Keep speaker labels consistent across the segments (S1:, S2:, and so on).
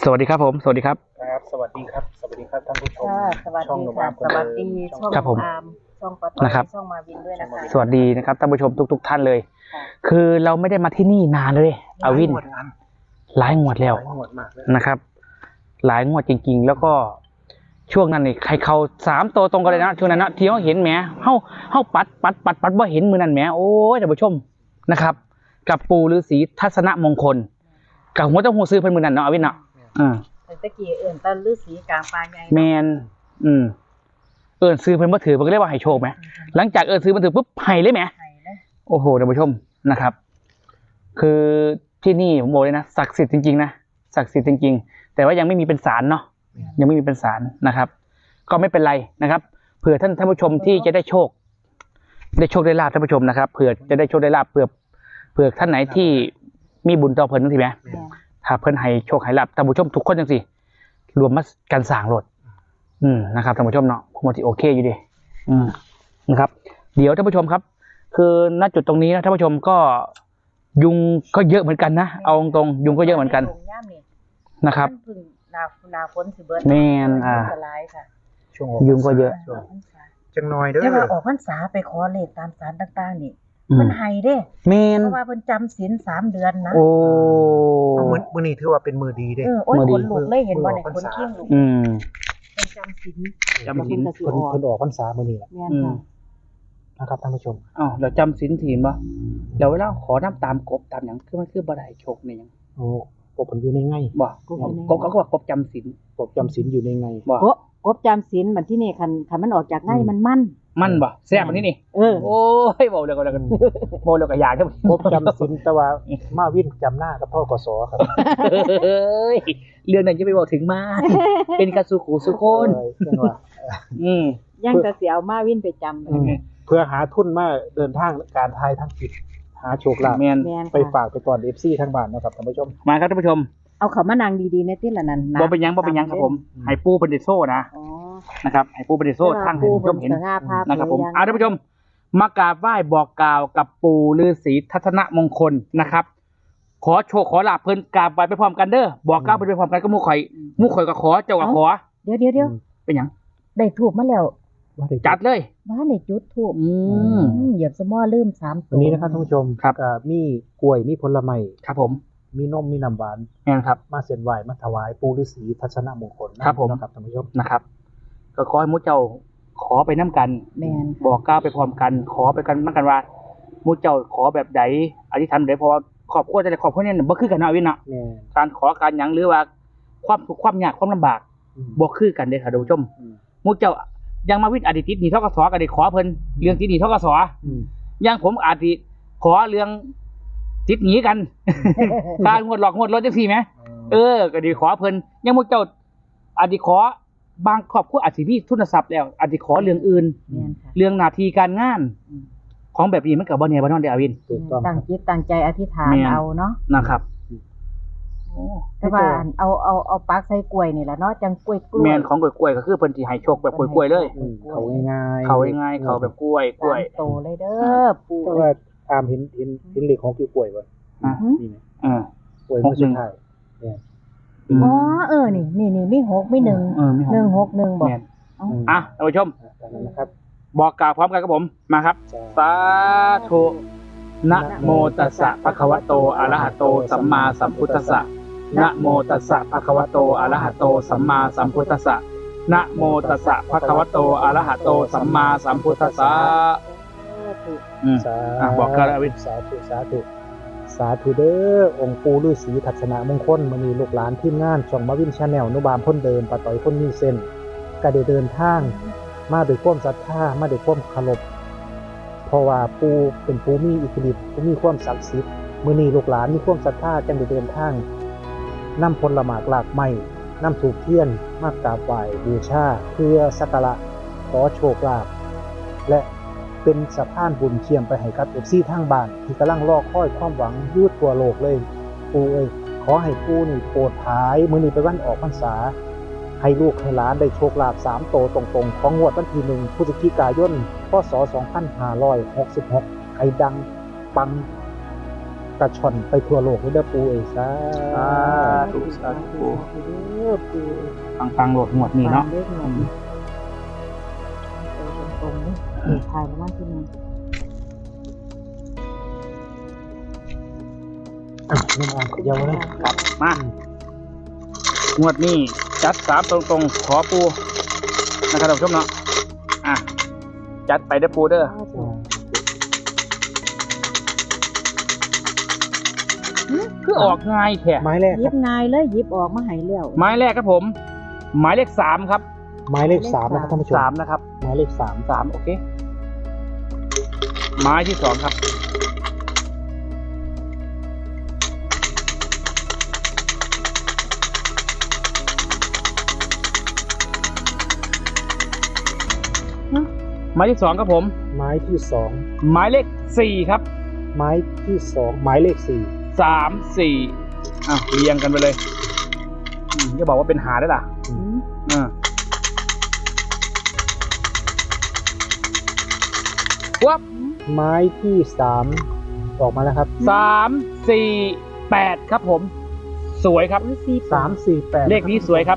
S1: สวัสดีครับผมสวัสดีครับ
S2: ครับสวัสดีครับสวัสดีครับท่านผู้ชม
S3: สวัสดีค่ะสวัสดีช่องอาร์มช่องปะต้อยช่องมาวินด้วยนะคะ
S1: สวัสดีนะครับท่านผู้ชมทุกท่านเลยคือเราไม่ได้มาที่นี่นานเลยอาวินหลายงวดแล้วนะครับหลายงวดจริงๆแล้วก็ช่วงนั้นนี่ใครเขา3 ตัวตรงกันเลยนะช่วงนั้นนะที่เขาเห็นแหมเขาปัดว่าเห็นมือนั่นแหมโอ้ยท่านผู้ชมนะครับกับปู่ฤาษีทัศนมงคลกับหัวเจ้าหัวซื้อเพิ่นมือนั่นเนาะอาวินเนาะ
S3: ตะกี้ตะฤาษีกลางป่าใหญ่
S1: แมนซื้อเพิ่นบ่ถือเพิ่นก็เรียกว่าให้โชคไหมหลังจากซื้อมันถือปุ๊บให้เลยไหมโอ้โหท่านผู้ชมนะครับคือที่นี่ผมบอกเลยนะศักดิ์สิทธิ์จริงๆนะศักดิ์สิทธิ์จริงๆแต่ว่ายังไม่มีเป็นศาลเนาะยังไม่มีเป็นศาลนะครับก็ไม่เป็นไรนะครับเผื่อท่านผู้ชมที่จะได้โชคได้ลาภท่านผู้ชมนะครับเผื่อจะได้โชคได้ลาภเผื่อท่านไหนที่มีบุญต่อเพิ่นจังซี่แหมถ้าเพิ่นให้โชคให้ลาภท่านผู้ชมทุกคนจังซี่รวมมากันสร้างรถนะครับท่านผู้ชมเนาะผมว่าที่โอเคอยู่ดีนะครับเดี๋ยวท่านผู้ชมครับคือณจุดตรงนี้นะท่านผู้ชมก็ยุงก็เยอะเหมือนกันนะเอาตรงยุงก็เยอะเหมือนกันนะครับ
S3: นาฝนสิเบิด
S1: แม่นยุงก็เยอะ
S2: จังน้อยเด้อ
S3: จะมาออกพรรษาไปขอเลขตามศาลต่างๆนี่มันให้เด้
S1: แม่น
S3: เพราะว่าเพิ่นจำศีล3 เดือนนะ
S1: โอ้
S2: มื้อนี้ถือว่าเป็นมื้อดีเด้
S3: โอ้ยคนลุกเลยเห็นบ่เนี่ยคนเคียงลุกเป็นจำศีล
S2: เพิ่นออกพรรษามื้อนี้แหละนะครับท่านผู้ชม
S1: เราจำศีลศีลบ่แล้วเวลาขอน้ำตามกบตามหยังคือมันคือบ่ได้โชคนี่หยัง
S2: โอ้กบเพิ่นอยู่ในไง
S1: บ่กบก็ว่ากบจำศีล
S2: อยู่ในไง
S3: บ่กบจำศีลมันที่นี่คันมันออกจากไงมัน
S1: บ่แซ่บมันนี่โอ้ยเว้าแล้วก็อยาก
S2: กบจำศีลแต่ว่ามาวินจำหน้ากับพ่อกสครับ
S1: เอ้ยเรื่องนั้นจะไปบอกถึงมาเป็นกระสุขูสุคน
S3: ยังจะเสียเอามาวินไปจำ
S2: เพื่อหาทุนมาเดินทางการทายทั้งจิตหาโชคลาภไปฝากไปก่อน FC ทั้งบ้านนะครับท่านผู้ชม
S1: มาครับท่านผู้ชม
S3: เอาเขามานั่งดีๆในที่ละนั้นนะ
S1: บ่เป็นยังครับผมให้ปูเป็นดิโซ่นะนะครับให้ปูเป็นดิโซ่ทั้งให้ท่านผู้ชมเห็นนะครับผมท่านผู้ชมมากราบไหว้บอกกล่าวกับปู่ฤาษีทัศนมงคลนะครับขอโชคขอลาภเพิ่นกราบไหว้ไปพร้อมกันเด้อบอกกล่าวไปพร้อมกันก็หมู่ข่อยก็ขอเจ้าก็ขอ
S3: เดี๋ยว
S1: เป็นหยัง
S3: ได้ทูบมาแล้ว
S1: จัดเลย
S3: บ้านได้จุดทูบเหยียบสมอลืม3 ตัว
S2: วันนี้นะครับท่านผู้ชมครับมีกล้วยมีผลไม้
S1: ครับผม
S2: มีนมมีน้ำหวาน
S1: ครับ
S2: มาเส้นไหว้มาถวายปู่ฤาษีทัศนมงคล
S1: ครับผม
S2: ครับท่านผู้ชม
S1: นะครับก็ขอให้มุเจ้าขอไปน้ำกันบอกกล่าวไปพร้อมกันขอไปกันเหมือนกันว่ามุเจ้าขอแบบใดอธิษฐานแบบพอครอบครัวจะครอบครัวเนี่ยบ่คือกันเนาะวินเนาะการขอการหยังหรือว่าความทุกข์ความยากความลำบากบ่คือกันเด้อค่ะท่านผู้ชมมุเจ้ายังมาวินอดีตติดหนี้ทกสก็ได้ขอเพิ่นเรื่องติดหนี้ทกสยังผมอาจสิขอเรื่องติดหนี้กันการงวดหลอกงวดรถจังซี่แหมก็ได้ขอเพิ่นยังมุเจ้าอาจสิขอบางครอบครัวอาจสิมีทุนทรัพย์แล้วอาจสิขอเรื่องอื่นเรื่องหน้าที่การงานของแบบนี้มันก็บ่แน่บ่นอนเด้ออาวิน
S3: ตั้งจิตตั้งใจอธิษฐานเอาเนาะ
S1: นะครับ
S3: แต่ว่าเอาปักใส่กล้วยนี่แหละเนาะจังกล้วย
S1: แม่นของกล้วยก็คือเพิ่นสิให้โชคแบบกล้วยๆเลย
S2: เขาง่าย
S1: เขาแบบกล้วย
S3: โตเลยเด้อปู่
S2: แต่ว่าตามเห็นเลขของกล้วยบ่นี่นะกล้วยมันสุดท้าย
S3: นี่มี6มี1 161บอก
S1: ท่านผู้ชมนะครับบอกกล่าวพร้อมกันกับผมมาครับสาธุนะโมตัสสะภะคะวะโตอะระหะโตสัมมาสัมพุทธัสสะนะโมตัสสะภะคะวะโตอะระหะโตสัมมาสัมพุทธัสสะนะโมตัสสะภะคะวะโตอะระหะโตสัมมาสัมพุทธัสสะบอกกันอาวิน
S2: สาธุเด้อองค์ปู่ฤาษีทัศนมงคลมื้อนี้ลูกหลานทีมงานช่องมาวิน Channel นุบามพ้นเดิมปะต้อยพ้นมีเส้นก็ได้เดินทางมาด้วยความศรัทธามาด้วยความเคารพเพราะว่าปู่เป็นผู้มีอิทธิฤทธิ์ผู้มีความศักดิ์สิทธิ์มื้อนี้ลูกหลานมีความศรัทธาจึงได้เดินทางนำผลหมากหลากไม้นำธูปเทียนมากราบไหว้บูชาเพื่อสักการะขอโชคลาภและเป็นสะพานบุญเชื่อมไปให้กับ FC ทางบ้านที่กำลังรอคอยความหวังอยู่ทั่วโลกเลยปู่เอ้ยขอให้ปู่นี่โปรดท้ายมื้อนี้เป็นวันออกพรรษาให้ลูกให้หลานได้โชคลาภ3 โตตรงๆของงวดวันที่1 พฤศจิกายน พ.ศ. 2566ให้ดังปังกระชอนไปทั่วโลกเลยเด้อปูเอ้ยสา
S1: ธุสาธุ
S3: เด้อปู
S1: ฟังโหลดหมดนี่เนาะ
S3: เลขหมดนี่ตรงนี้ถ่ายมาว่าที่นึง
S2: น้ำอ่อนเยาวเลย
S1: ครับมางวดนี้จัด3ตรงๆขอปูนะครับท่านผู้ชมเนาะอ่ะจัดไปเด้อปูเด้อคือออกง่ายแค่
S2: ไม้แรก
S3: ห
S2: ค
S3: ยิ
S2: รับบ
S3: นายเลยหยิบออกมาให้แล้ว
S1: ไม้แรกครับผม หมายเลข3ครับ
S2: ไม้เลข3นะครับท่านผู้ชม
S1: 3นะครับ
S2: ไม้เลข3
S1: 3โอเคไม้ที่2ครับไม้ที่2ครับผม
S2: ไม้ที่2
S1: หมายเลข4ครับ
S2: ไม้ที่2ไม้เลข4
S1: 3 4อ่ะเรียงกันไปเลยจะบอกว่าเป็นหาได้ล่ะวับ
S2: ไม้ที่3ออกมาแล้วครับ
S1: 3 4 8ครับผม สวยครับ
S2: 3 4 8
S1: เลขนี้สวยครับ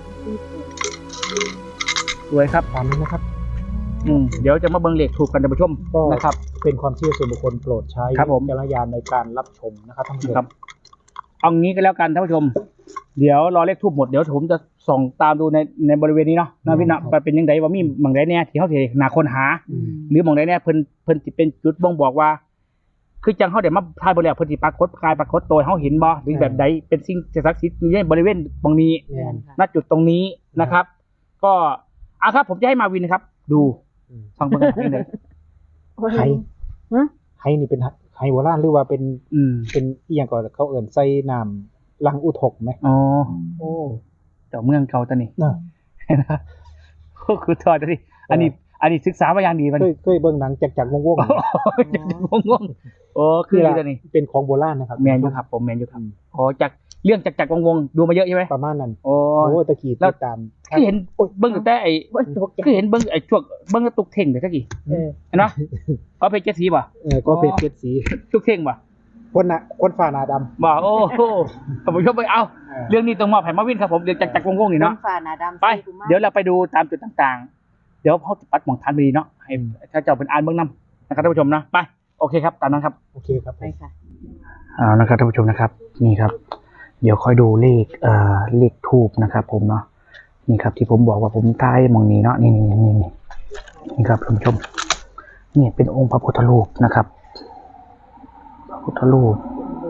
S1: สวยครับ
S2: ตามนี้นะครับ
S1: เดี๋ยวจะมาเบิ่งเลขถูกกันท่านผู้ชม
S2: ก็
S1: นะครับ
S2: เป็นความเชื่อส่วนบุคคลโปรดใช้
S1: ครับผม
S2: วิจารณญาณในการรับชมนะครับท่านผู้ชม
S1: ครับเอางี้ก็แล้วกันท่านผู้ชม เดี๋ยวรอเลขทูบหมดเดี๋ยวผมจะส่องตามดูในบริเวณนี้เนาะนะพี่นะไปเป็นยังไงว่ามีบางใดแน่ที่เขาสิหาคนหา หรือบางใดแน่เพิ่นสิเป็นจุดบ่งบอกว่า คือจังเขาเดี๋ยวมาทายบ่แล้วเพิ่นสิปรากฏกายปรากฏตัวให้เขาเห็นบ่หรือแบบใดเป็นสิ่งศักดิ์สิทธิ์ในบริเวณตรงนี้
S2: เนี่ย
S1: ณจุดตรงนี้นะครับ ก็ครับผมจะให้มาวินนะครับ ดูฟังเบิ่งกันนิดนึง
S2: ไห้นี่เป็นไห้โบราณหรือว่าเป็นอีหยังก่อนเขาเอิ่นใส่น้ำลังอุทกไหม
S1: อ๋อ
S2: โอ้
S1: เจ้าเมืองเก่าตอนนี้
S2: น่ะ
S1: นะคือทอดดิอันนี้ศึกษามาอย่างดีมัน
S2: เคยเบิ่งหนังจากวง
S1: จะงงโอ้คือตอนนี้
S2: เป็นของโบราณนะครับ
S1: แมนอยู่ครับผมแมนอยู่ครับอ๋อจากเรื่องจากวงดูมาเยอะใช่ไหม
S2: ประมาณนั้น
S1: โอ้
S2: โอ้ตะกี้
S1: แล้ว
S2: ติดตาม
S1: คือเห็นเบิ้งแต่ไอ้
S3: ตกใจ
S1: คือเห็นเบิ้งไอ้ช่วงเบิ้งตุกเท่งแต่ตะกี้เห็นเนาะเอาไปเจ็ดสีป่ะ
S2: ก็เป็นเกศสี
S1: ตุกเท่งป่ะ
S2: คนฝ่าหนาดำ
S1: บ่โอ้โหผมชอบไปเอาเรื่องนี้ต้องมอบให้มาวินครับผมเรื่องจากวงนี่เนาะ
S3: ฝ่าหน้าดำ
S1: ไปเดี๋ยวเราไปดูตามจุดต่างๆ เดี๋ยวเขาปัดหมองทานไปดีเนาะให้ถ้าเจ้าเป็นอ่านเบื้องนำนะครับท่านผู้ชมนะไปโอเคครับตามนั้นครับ
S2: โอเคครับ
S3: ไปค่ะ
S1: เอานะครับท่านผู้ชมนะครับนี่ครับ เดี๋ยวค่อยดูเลขทูบนะครับ ผมเนาะนี่ครับที่ผมบอกว่าผมใต้มองนี้เนาะนี่ครับท่านผู้ชมนี่เป็นองค์พระพุทธรูปนะครับพระพุทธรูป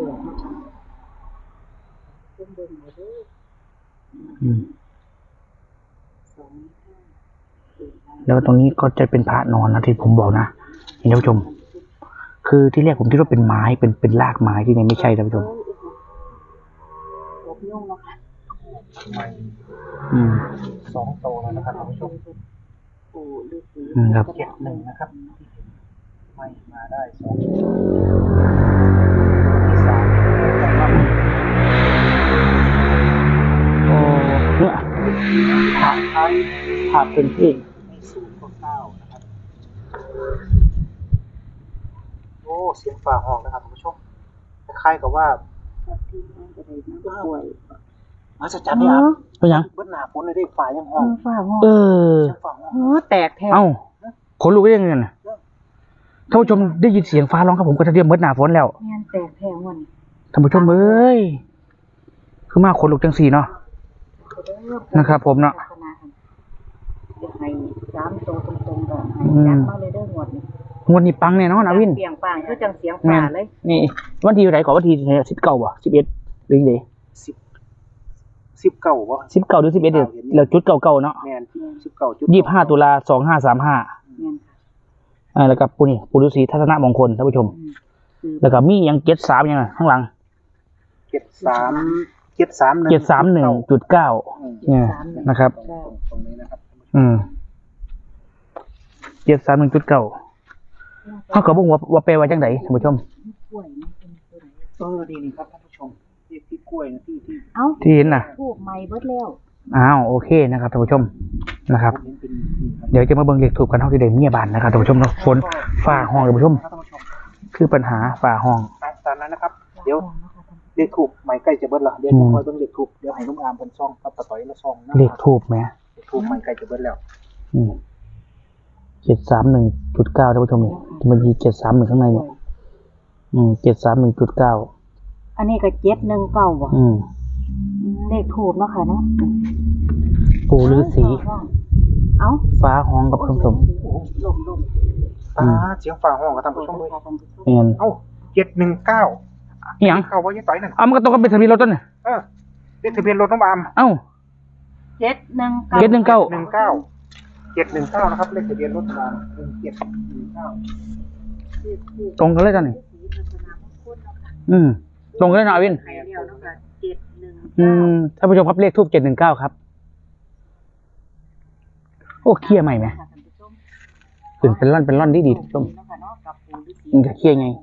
S1: แล้วตรงนี้ก็จะเป็นพระนอนนะที่ผมบอกนะท่านผู้ชม คือที่แรกผมคิดว่าเป็นไม้เป็นรากไม้ที่นี่ไม่ใช่ท่านผู้ชม
S2: 2 โตแล้วนะครับท่านผู้ชม
S1: ครับ
S2: 71นะครับไม่มาได้2
S1: โอ้เนี่ยภาพเป็นที่
S2: 0.9นะครับโอ้เสียงฝ่าห้องนะครับท่านผู้ชมคล้ายๆกับว่ามาจะจับได้ครับ
S1: เป็นยัง
S2: เบิ้ลหนาฝนเลยได้ฝ่ายังห้อง
S3: ฝ่าห้อง
S1: เออ
S2: เสียงฝ่าห้อง
S3: โอ้แตกแทบ
S1: เอ้าขนลุกได้ยังไงน่ะท่านผู้ชมได้ยินเสียงฟ้าร้องครับผมก็จะเตรียมเบิดหน้าฝนแล้ว
S3: งานแตกแทบวัน
S1: ท่านผู้ชมเอ้ยคือมาขนลุกจังสี่เนาะ นะครับผมเนาะ
S3: จะให้3 ตัวตรงๆก่อนให้จัดมาเลยเด้อหมดนี่
S1: งวดนี้ปังแน่นอนนะวิน
S3: เปลี่ยงปังคือจังเสียงฝ่าเลย
S1: นี่วันที่ไหนก่อนวันที่19บ่11หรือไง
S2: 19บ่
S1: 19หรือ11เดี๋ยวแล้วจุดเก่าๆเนาะ
S2: แม่น19
S1: 25ตุลา2535
S3: แม่น
S1: แล้วก็ปูนี่ปูฤาษีทัศนมงคลท่านผู้ชม แล้วก็มียัง73ยังไงข้างหลัง 731.9เนี่ยนะครับ
S2: ตรงนี้นะครับ
S1: 731.9เขาก็บอกว่าแปลว่าจังไดท่านผู้ชม
S2: นี่ครับท่านผู้ชมที่กล้วยนะที่
S3: เอ้า
S1: ที่เห็นน่ะ
S3: ถูกใหม่เบิดแล้ว
S1: อ้าวโอเคนะครับท่านผู้ชมนะครับ
S2: ผมเห็นเป็น
S1: เดี๋ยวจะมาเบิ่งเลขถูกกันเท่าที่ได้เมียบานนะครับท่านผู้ชมนะฝนฝ่าห้องท่านผู้ชม
S2: ท่านผู้ชม
S1: คือปัญหาฝ่าห้อง
S2: ตามนั้นนะครับเดี๋ยวเลขถูกไม้ใกล้จะเบิดละเดี๋ยวคอยเบิ่งเลขถูกเดี๋ยวให้นุ่มอามเพิ่นซ่องกับปะต่อยละซ่องนะ
S1: เลขทูบไหม
S2: เลขถูกไม้ใกล้จะเบิดแล้ว
S1: 731.9ท่านผู้ชมมันมี731ข้างในเนี่ย731.9
S3: อันนี้ก็719บ่ เลขถูกเนาะค่ะเนาะ
S1: ปู่ฤาษี
S3: เอ้า
S1: ฟ้าห้องกับท่านผู้ชม
S3: ลม
S2: เสียงฟ้าห้องกับท่านผู้ชมเลย
S1: เมียน
S2: เอ้า719
S1: อีหยัง
S2: เข้าว่ายังต่อยนั่น
S1: เอามันก็ตรงกับเป็นทะเบียนรถต้นน่ะ
S2: เลขทะเบียนรถน้องอาม
S1: เอ้า
S3: 719
S2: 719นะครับเลขทะเบียนรถน้องอาม1719
S1: ตรงกันเลยจ้ะนี่ตรงกันเลยนะอวิน
S3: ให้แล้วเนาะค่ะ719
S1: ท่านผู้ชมครับเลขทูบ719ครับโอ้เคลียร์ใหม่ไหมตื่นเป็นร่อนดีท่านผู้ชมมันจะเคลียร์ไง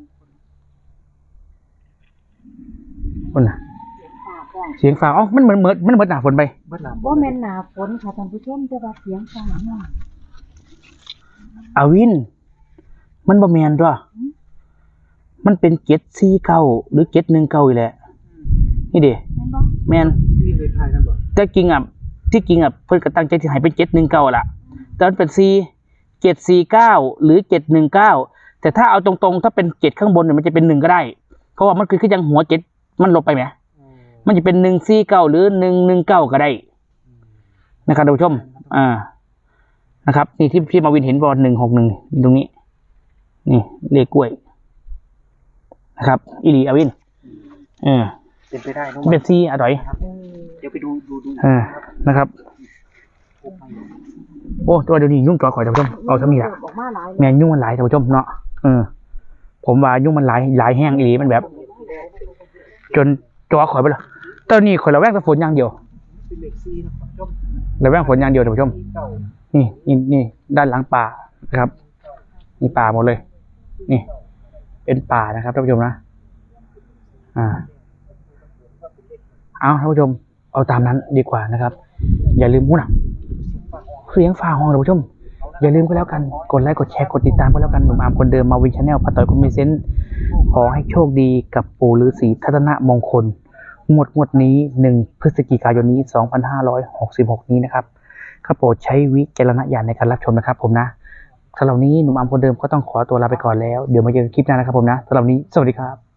S1: คนน่ะเสียงฟ้ามันเหมือนหนาฝนไป
S2: เบิดละ
S3: บ่แม่นหน้าฝนค่ะท่านผู้ชมแต่ว่าเสียงฟ้าห้อง
S1: อวิน มันบ่แมนด้วยมันเป็น749หรือ719อีแหละนี่เด้
S3: แม่นบ่
S1: แมน
S2: ที่เคยทายนั่นบ่
S1: แต่จริงเพิ่นก็ตั้งใจที่ให้เป็น719ล่ะแต่มันเป็น749หรือ719แต่ถ้าเอาตรงๆถ้าเป็น7ข้างบนเนี่ยมันจะเป็น1ก็ได้เพราะว่ามันคือยังหัว7มันลบไปไหมมันจะเป็น149หรือ119ก็ได้นะครับท่านผู้ชมนะครับนี่ที่พี่มาวินเห็นบอล161ตรงนี้นี่เลขกล้วยนะครับอีหลีอวิน
S2: เป็นไปได้น้อง
S1: เป็นซีอร่อย
S2: เดี๋ยวไปดู
S1: นะครับโอ้ตัวเดี๋ยวนี้ยุ่งจ่อข่อยท่านผู้ชมเอาซะมีละ
S3: ออกมาหลาย
S1: แม่นยุ่งมันหลายท่านผู้ชมเนาะผมว่ายุ่งมันหลายแห้งอีหลีมันแบบ จนจ่อข่อยไปเลยตอนนี้ข่อยระแวงแต่ฝนอย่างเดียว
S2: เป็นเลข4นะครับท่านผู้ชม
S1: ระแวงฝนอย่างเดียวท่านผู้ชม นี่ด้านหลังป่านะครับนี่ป่าหมดเลย นี่ เป็นป่านะครับท่านผู้ชมนะเอาท่านผู้ชมเอาตามนั้นดีกว่านะครับ อย่าลืมพูดนะเสียงฟ้าห้องท่านผู้ชมอย่าลืมก็แล้วกันกดไลค์กดแชร์กดติดตามก็แล้วกันหนุ่มอาร์มคนเดิมมาวินชาแนลปาต่อยคนมีเซนส์ขอให้โชคดีกับปู่ฤาษีทัตนะมงคลงวดนี้1 พฤศจิกายนนี้2566นี้นะครับข้าโปรดใช้วิจารณญาณในการรับชมนะครับผมนะสำหรับนี้หนุ่มอาร์มคนเดิมก็ต้องขอตัวลาไปก่อนแล้วเดี๋ยวมาเจอกันคลิปหน้านะครับผมนะสำหรับนี้สวัสดีครับ